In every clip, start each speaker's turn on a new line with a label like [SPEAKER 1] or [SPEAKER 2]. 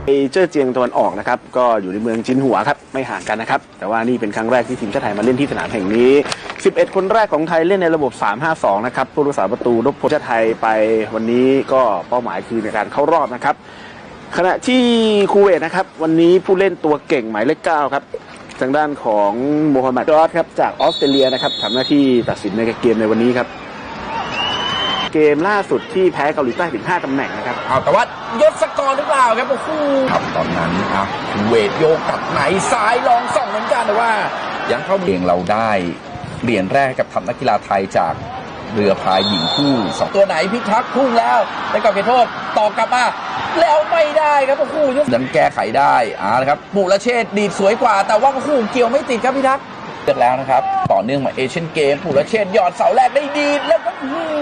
[SPEAKER 1] เจ้อเจียงตะวันออกนะครับก็อยู่ในเมืองจินหัวครับไม่ห่างกันนะครับแต่ว่านี่เป็นครั้งแรกที่ทีมชาติไทยมาเล่นที่สนามแห่งนี้11คนแรกของไทยเล่นในระบบ 3-5-2 นะครับผู้รักษาประตูนพพลชาติไทยไปวันนี้ก็เป้าหมายคือในการเข้ารอบนะครับขณะที่คูเวตนะครับวันนี้ผู้เล่นตัวเก่งหมายเลข 9ครับทางด้านของโมฮัมหมัดจอร์จครับจากออสเตรเลียนะครับทำหน้าที่ตัดสินในเกมในวันนี้ครับเกมล่าสุดที่แพ้เกาหลีใต้ถึง5ตำแหน่งนะครับ
[SPEAKER 2] แต่ว่ายศกรหรือเปล่าครับโอ้โหครับตอนนั้นเวทโยกกับไหนซ้ายลองส่องเหมือนกันแต่ว่ายังเข้าเองเราได้เหรียญแรกกับทัพนักกีฬาไทยจากเรือพายหญิงคู่2ตัวไหนพิทักษ์พุ่งแล้วได้กลับเขตโทษต่อกลับมาแล้วไม่ได้ครับโอ้โหยังแก้ไขได้นะครับมุรเชษฐ์ดีดสวยกว่าแต่ว่าโอ้โหเกี่ยวไม่ติดครับพิทักษ์เลือกแล้วนะครับต่อเนื่องมาเอเชียนเกมมุรเชษฐ์หยอดเสาแรกได้ดีแล้วก็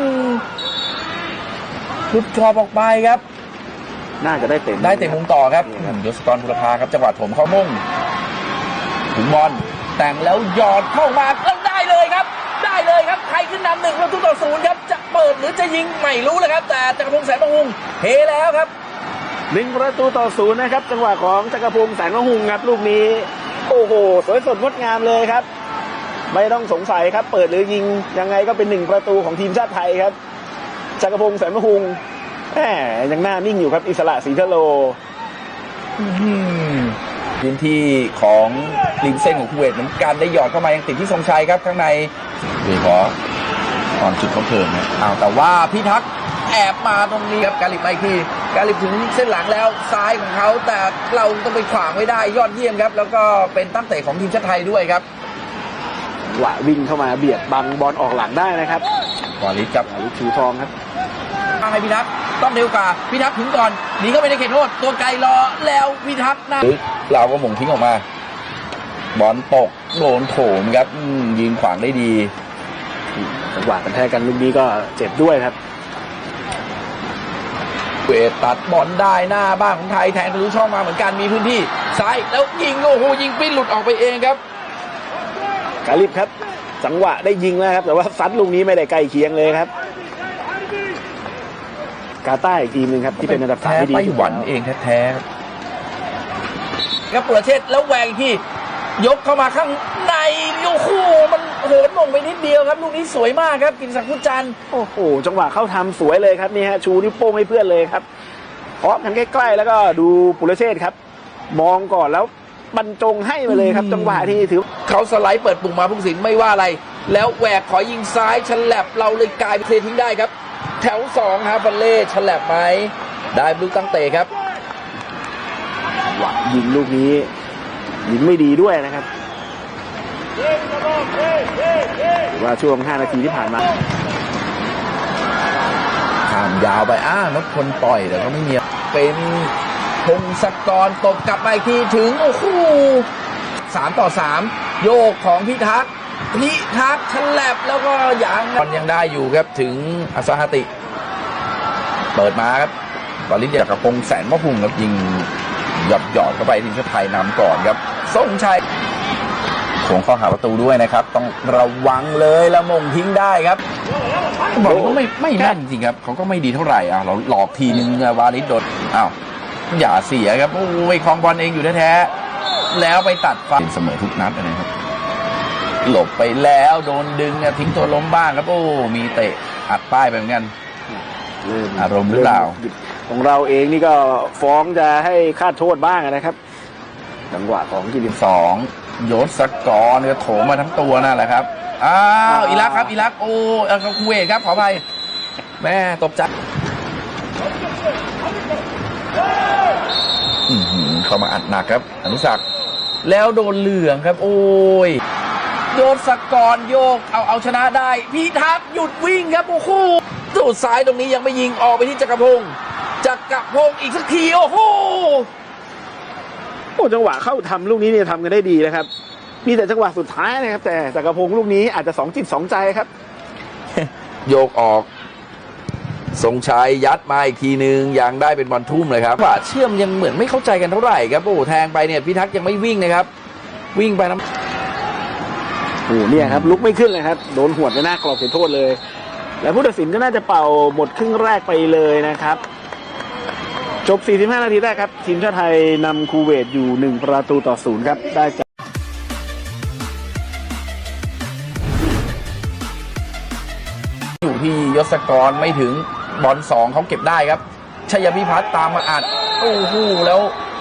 [SPEAKER 2] หลุดกรอบออกไปครับ
[SPEAKER 1] น่าจะได้เตะ
[SPEAKER 2] มุมต่อครับยศกรบุรพาครับจังหวะถมเข้ามุ่งถึงบอลแต่งแล้วหยอดเข้ามาแล้วได้เลยครับใครขึ้นนำ1-0ครับจะเปิดหรือจะยิงไม่รู้เลยครับแต่จักรพงษ์แสนมหุงเฮแล้วครับ
[SPEAKER 1] 1-0นะครับจังหวะของจักรพงษ์แสนมหุงครับลูกนี้โอ้โหสวยสดงดงามเลยครับไม่ต้องสงสัยครับเปิดหรือยิงยังไงก็เป็น1 ของทีมชาติไทยครับจักรพงษ์แสนมหุงยังหน้านิ่งอยู่ครับอิสระศรีทะโล
[SPEAKER 2] พื้นที่ของริมเส้นของคูเวตเหมือนกันได้หยอดเข้ามายังติดที่ทรงชัยครับข้างในโดยเฉพาะตอนจุดเขาเพิ่มนะแต่ว่าพิทักษ์แอบมาตรงนี้ครับกาลิบไปที่กาลิบถึงเส้นหลังแล้วซ้ายของเขาแต่เราต้องไปขวางไว้ได้ยอดเยี่ยมครับแล้วก็เป็นตั้งเตะของทีมชาติไทยด้วยครับ
[SPEAKER 1] หวะวิ่งเข้ามาเบียดบังบอลออกหลังได้นะครับ
[SPEAKER 2] วาลิศครับ
[SPEAKER 1] วาลิศชูทองครับ
[SPEAKER 2] ให้พิทักษ์ต้องเร็วกว่าพิทักษ์ถึงก่อนหนีเข้าไปในเขตโทษตัวไกลรอแล้วพิทักษ์นะเราก็หม่งทิ้งออกมาบอลตกโดนโถมครับยืนขวางได้ดี
[SPEAKER 1] จังหวะกันแทกกันลูกนี้ก็เจ็บด้วยครับ
[SPEAKER 2] เวทตัดบอลได้หน้าบ้านของไทยแทงทะลุช่องมาเหมือนกันมีพื้นที่ซ้ายแล้วยิงโอ้โหยิงปิ้นหลุดออกไปเองครับ
[SPEAKER 1] กาลิบครับจังหวะได้ยิงแล้วครับแต่ว่าซัดลูกนี้ไม่ได้ใกล้เคียงเลยครับกาตาร์อีกทีนึงครับที่เป็นอันดับ3ที่ดี
[SPEAKER 2] ไต้หวันเองแท้ๆครับปุรเชษฐ์แล้วแหวงที่ยกเข้ามาข้างในโอ้โหมันโหนมงไปนิดเดียวครับลูกนี้สวยมากครับกิติศักดิ์ พุทธจันทร์
[SPEAKER 1] โอ้โหจังหวะเข้าทำสวยเลยครับนี่ฮะชูนิ้วโป้งให้เพื่อนเลยครับเพาะกันใกล้ๆแล้วก็ดูปุรเชษฐ์ครับมองก่อนแล้วบรรจงให้มาเลยครับจังหวะที่ถือ
[SPEAKER 2] เขาสไลด์เปิดปุ่มมาผู้สินไม่ว่าอะไรแล้วแหวกขอยิงซ้ายฉลับเราเลยกลายเป็นเททิ้งได้ครับแถว2ฮาฟันเล่ฉลับไหมได้ลูกตั้งเตะครับ
[SPEAKER 1] หวังยิงลูกนี้ยิงไม่ดีด้วยนะครับว่าช่วง5 นาทีที่ผ่านมา
[SPEAKER 2] ข้ามยาวไปนพพลปล่อยแต่ก็ไม่มีเป็นพงศกรตบกลับไปทีถึงโอ้โห3-3โยกของพิทักษ์ฉลับแล้วก็ยังได้อยู่ครับถึงอัสฮาติเปิดมาครับตอนนี้จากกระพงแสนมะพุงครับยิงหยอดเข้าไปทีมชาติไทยนำก่อนครับทรงชัยโขงเข้าหาประตูด้วยนะครับต้องระวังเลยละมงทิ้งได้ครับบอลก็ไม่แม่นจริงครับเขาก็ไม่ดีเท่าไหร่เราหลอกทีนึงวาลิศโดนอย่าเสียครับโอ้ยคลองบอลเองอยู่แท้ๆแล้วไปตัดฟันเสมอทุกนัดนะครับหลบไปแล้วโดนดึงทิ้งตัวล้มบ้างครับโอ้มีเตะอัดป้ายไปเหมือนกันอารมณ์หรือเปล่า
[SPEAKER 1] ของเราเองนี่ก็ฟ้องจะให้คาดโทษบ้างนะครับจังหวะของ
[SPEAKER 2] 22ยศกรเนี่ยโถมมาทั้งตัวนั่นแหละครับอิรักครับอิรักโอ้คูเวตครับขออภัยแม่ตบจัดเข้ามาอัดหนักครับอนุศักดิ์แล้วโดนเหลืองครับโอ้ยยศกรโยกเอาชนะได้พิทักษ์หยุดวิ่งครับโอ้โหสุดซ้ายตรงนี้ยังไม่ยิงออกไปที่จักรพงษ์อีกสักทีโอ้โห
[SPEAKER 1] จังหวะเข้าทำลูกนี้เนี่ยทำกันได้ดีนะครับมีแต่จังหวะสุดท้ายนะครับแต่จักรพงษ์ลูกนี้อาจจะ2 จิต 2 ใจครับ
[SPEAKER 2] โยกออกทรงชัยยัดมาอีกทีนึงยังได้เป็นบอลทุ่มเลยครับว่าเชื่อมยังเหมือนไม่เข้าใจกันเท่าไหร่ครับโอ้แทงไปเนี่ยพิทักษ์ยังไม่วิ่งนะครับวิ่งไปน้
[SPEAKER 1] ำเนี่ยครับลุกไม่ขึ้นเลยครับโดนหวดในหน้ากรอบเขตโทษเลยแล้วผู้ตัดสินก็น่าจะเป่าหมดครึ่งแรกไปเลยนะครับจบ 45 นาทีแรกครับทีมชาติไทยนำคูเวตอยู่ 1-0 ครับได้จาก
[SPEAKER 2] อยู่ที่ยศกรไม่ถึงบอล2เขาเก็บได้ครับชัยพิพัฒน์ตามมาอัดโอ้โหแล้ว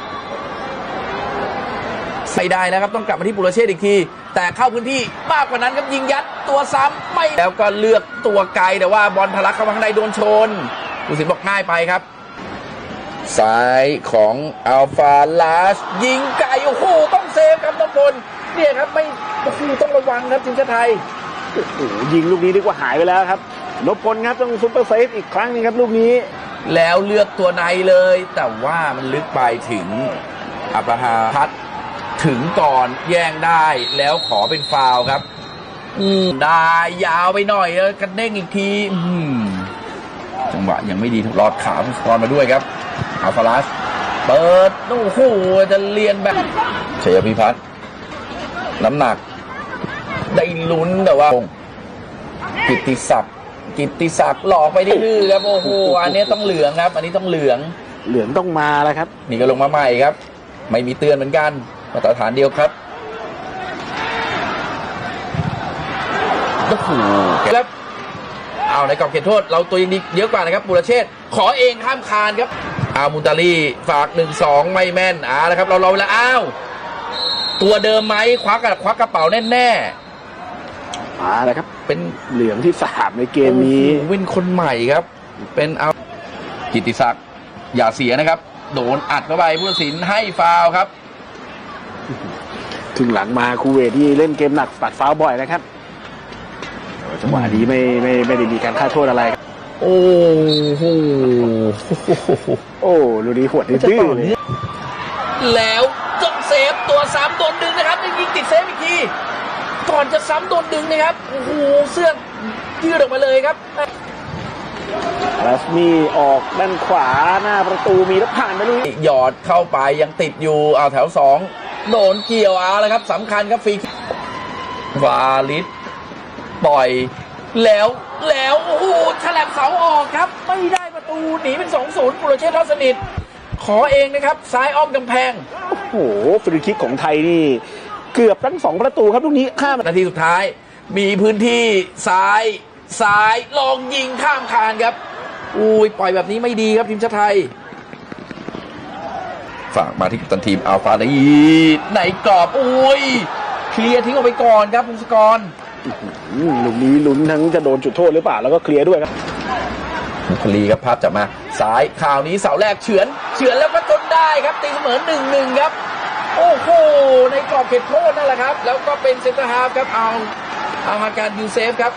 [SPEAKER 2] ใส่ได้แล้วครับต้องกลับมาที่ปุรเชษฐ์อีกทีแต่เข้าพื้นที่มากกว่านั้นครับยิงยัดตัวซ้ำไม่แล้วก็เลือกตัวไกลแต่ว่าบอลทะลักเข้ามาข้างในโดนชนผู้สินบอกง่ายไปครับซ้ายของอัลฟาลาสยิงไกลโอ้โหต้องเซฟครับนพพลเนี่ยครับไม่โอ้โหต้องระวังครับทีมชาติไทย
[SPEAKER 1] โอ้โหยิงลูกนี้ดีกว่าหายไปแล้วครับนพพลครับต้องซุปเปอร์เซฟอีกครั้งนึงครับลูกนี้
[SPEAKER 2] แล้วเลือกตัวในเลย แต่ว่ามันลึกไปถึงอับราฮัมพัดถึงก่อนแย่งได้แล้วขอเป็นฟาวล์ครับได้ยาวไปหน่อยแล้วกันเด้งอีกทีจังหวะยังไม่ดีรอดขาสกอร์มาด้วยครับอัลฟาลัสเปิดโอ้โหจะเลียนแบบชัยพิพัฒน์น้ำหนักได้ลุ้นแต่ว่ากิตติศักดิ์หลอกไปได้ดื้อครับโอ้โหอันนี้ต้องเหลืองครับอันนี้ต้องเหลือง
[SPEAKER 1] ต้องมาแล้วครับ
[SPEAKER 2] นี่ก็ลงมาใหม่ครับไม่มีเตือนเหมือนกันมาตรฐานเดียวครับโอ้โหครับเอาในกรอบเขตโทษเราตัวยังดีเยอะกว่านะครับปุรเชษฐ์ขอเองข้ามคานครับมุนตาลีฝาก 1-2 ไม่แม่นแล้วครับเรารอเวลาตัวเดิมไหมควักกระเป๋าแน่
[SPEAKER 1] มาแล้วครับเป็นเหลืองที่3ในเกมนี้
[SPEAKER 2] วินคนใหม่ครับเป็นกิตติศักดิ์อย่าเสียนะครับโดนอัดเข้าไปผู้ตัดสินให้ฟาวล์ครับ
[SPEAKER 1] ถึงหลังมาคูเวตที่เล่นเกมหนักปัดฟาวล์บ่อยนะครับจังหวะนี้ไม่ได้มีการฆ่าโทษอะไร
[SPEAKER 2] โอ้โห
[SPEAKER 1] ลูกนี้หวดดื้อเลย
[SPEAKER 2] แล้วต้องเซฟตัวซ้ำโดนดึงนะครับยิงติดเซฟอีกทีก่อนจะซ้ำโดนดึงนะครับโอ้โหเสื้อยืดออกมาเลยครับ
[SPEAKER 1] ลัสมีออกด้านขวาหน้าประตูมีแล้วผ่านไปลุย
[SPEAKER 2] หยอดเข้าไปยังติดอยู่แถว2โดนเกี่ยวแล้วครับสำคัญครับฟรีวาลิสปล่อยแล้วโอ้โหฉลับเสาออกครับไม่ได้ประตูหนีเป็น 2-0 ปุรเชษฐ์ทอดสนิทขอเองนะครับซ้ายอ้อมกำแพง
[SPEAKER 1] โอ้โหฟรีคิกของไทยนี่เกือบทั้ง2ประตูครับลูกนี้ข้าม
[SPEAKER 2] นาทีสุดท้ายมีพื้นที่ซ้ายลองยิงข้ามคานครับปล่อยแบบนี้ไม่ดีครับทีมชาติไทยฝากมาที่กัปตันทีมอัลฟาลีในกรอบเคลียร์ทิ้งออกไปก่อนครับพงศกร
[SPEAKER 1] ลูกนี้ลุ้นทั้งจะโดนจุดโทษหรือเปล่าแล้วก็เคลียร์ด้วยครับ
[SPEAKER 2] มุคลีครับภาพจับมาซ้ายข่าวนี้เสาแรกเฉือนแล้วก็จนได้ครับตีเสมอ 1-1 ครับโอ้โหในกรอบเขตโทษนั่นแหละครับแล้วก็เป็นเซนเตอร์ฮาล์ฟครับเอามาการยูเซฟครับ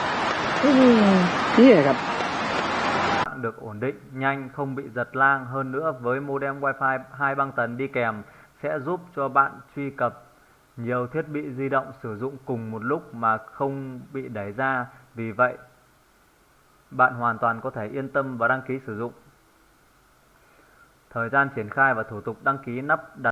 [SPEAKER 1] นี่ครับ
[SPEAKER 3] được ổn định, nhanh, không bị giật lang. Hơn nữa với modem Wi-Fi 2 băng tần đi kèm sẽ giúp cho bạn truy cập nhiều thiết bị di động sử dụng cùng một lúc mà không bị đẩy ra. Vì vậy, bạn hoàn toàn có thể yên tâm và đăng ký sử dụng. Thời gian triển khai và thủ tục đăng ký nắp đặt